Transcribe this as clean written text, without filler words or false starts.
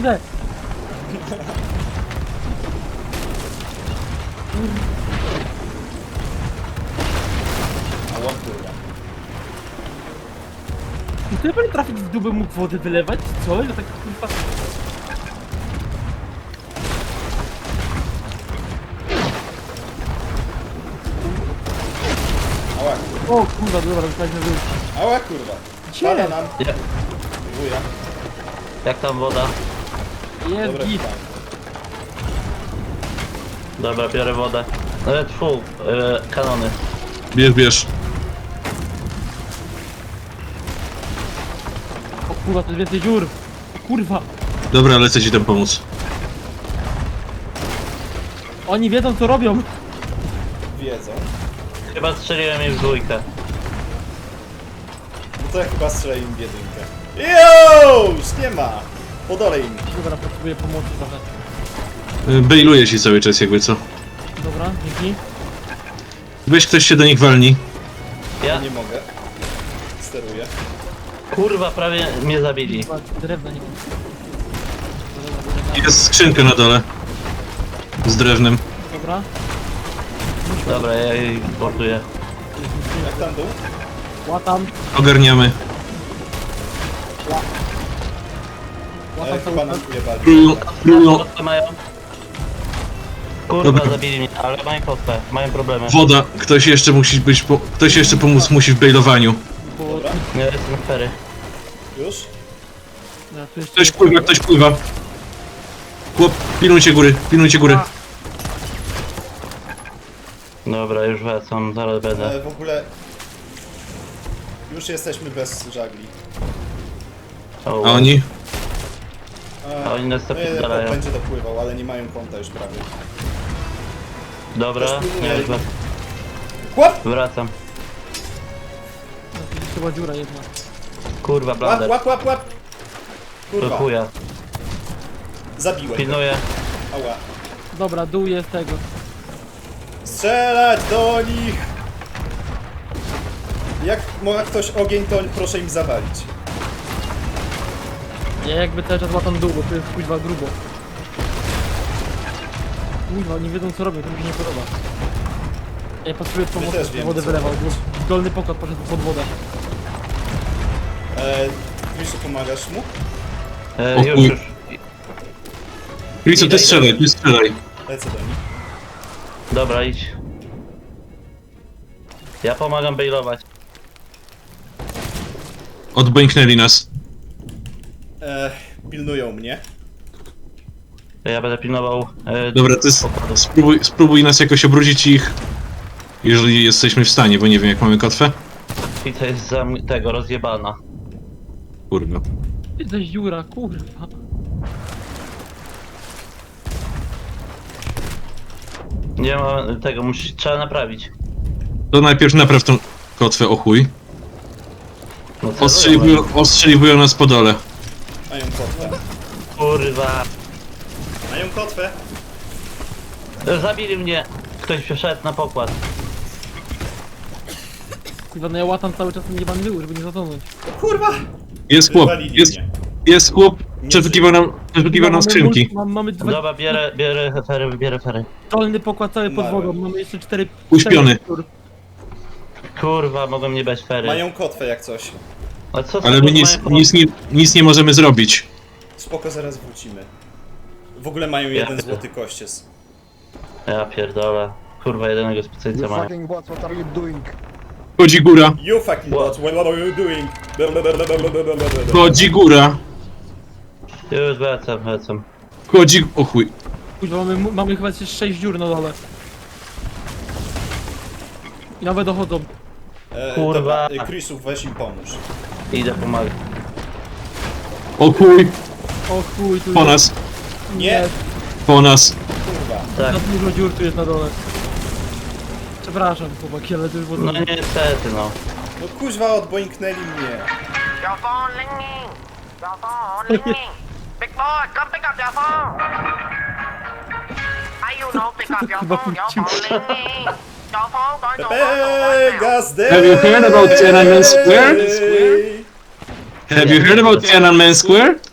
Kurde! Ała, kurwa. Czy ja będę trafić w dół, bym mógł wodę wylewać? Co? Ja tak kurwa... Ała, kurwa. O kurwa, dobra, zostaliśmy wyjść. Ała, kurwa. Gdzie? Pada nam. Jak, Wuja. jak tam woda? Jest Dobra, git. tam. Dobra, biorę wodę. Tfu, kanony. Bierz. O kurwa, to jest więcej dziur. O kurwa. Dobra, lecę ci tam pomóc. Oni wiedzą co robią. Wiedzą. Chyba strzeliłem jej w dwójkę. No to ja chyba strzelę im w jedynkę. Jo! Już nie ma! Podolej im. Dobra, potrzebuję pomocy trochę. Bailuję ci cały czas jakby co. Dobra, dzięki. Weź ktoś się do nich walni. Ja Ja, nie mogę. Steruję. kurwa, prawie mnie zabili. Kurwa, drewna nie... Jest skrzynka na dole. Z drewnem. Dobra. Dobra, ja jej portuję. Jak tam dół? Łatam. Ogarniamy. Łatam Chyba cały nam czas. ujebali. Królu, Kotwę mają? Kurwa, Dobra. zabili mnie, ale mają kotwę, mają problemy. woda. Ktoś jeszcze musi być. Ktoś jeszcze pomóc musi w bailowaniu. Bo... Dobra, Nie, jestem fery. już? Ja, tu jeszcze... Ktoś pływa. Chłop, pilnujcie góry. Dobra, już wracam, zaraz będę. W ogóle... Już jesteśmy bez żagli. O, A oni? A oni nas No, zapierdalają. będzie dopływał, ale nie mają konta już prawie. Dobra, Też ja już Łap! wracam. No, tu jest chyba dziura jedna. Kurwa, Łap, blander. łap, łap, łap! Do Kurwa, chuja. zabiłem. Pilnuję. Ała. Dobra, dół jest tego. Strzelać do nich! Jak ma ktoś ogień, to proszę im zawalić. Ja jakby cały czas łatam dół, bo tu jest kuźwa grubo. Kuźwa, nie wiedzą co robią, to mi się nie podoba. Ja potrzebuję pomocy, też żeby wiemy, wodę co wylewał, robić. bo dolny pokład poszedł pod wodę. Wiesz, pomagasz mu? O Już, chuj. już. Krisu, ty strzelaj. Lecę do nich. Dobra, idź. Ja pomagam bailować. Odbęknęli nas. Pilnują mnie. Ja będę pilnował. Dobra, ty pokładu. spróbuj nas jakoś obrócić ich. Jeżeli jesteśmy w stanie, bo nie wiem jak mamy kotwę. I to jest tego rozjebana. Kurwa. Ty to jest dziura, kurwa. Nie ma tego, trzeba naprawić. To najpierw napraw tą kotwę, o chuj. No celują. Ostrzeliwują nas po dole. Mają kotwę. Kurwa. Mają kotwę. Zabili mnie. Ktoś przeszedł na pokład. Kurwa, no ja łatam cały czas ten jebany dół, żeby nie zatonąć. Kurwa! Jest chłop, Wywalili mnie. jest chłop, przeszukiwał nam skrzynki. Mamy dwa... Dobra, bierę fery. Dolny pokład cały pod Umarłem. wodą, mamy jeszcze cztery... Uśpiony. cztery- Kurwa, mogą nie dać fery. Mają kotwę jak coś. A co Ale my nic nie możemy zrobić. Spoko, zaraz wrócimy. W ogóle mają jeden złoty kościec. Ja pierdolę. Kurwa, jedynego specjalista You mają. fucking bots, what are you doing? Chodzi góra, You fucking bot, what are you doing? chodzi góra, Już wracam. chodzi... O chuj. Kurwa, mamy chyba jeszcze 6 dziur na dole. I nawet dochodzą. Kurwa. Dobra, Chrisów, weź im pomóż. Idę pomagać. O chuj, O chuj, tu po jest... nas, Nie! po nas. Kurwa. Tak. Za dużo dziur tu jest na dole. Przepraszam chłopaki, ale to już było... No niestety, no. No kuźwa, odboinknęli mnie. Your phone ringing. Your phone ringing. Big boy, come pick up your phone. I you know pick up your phone. Your phone ringing. Your phone going to Pepe, gas day! Have you heard about Tiananmen Square? Square? Have you heard about Tiananmen Square?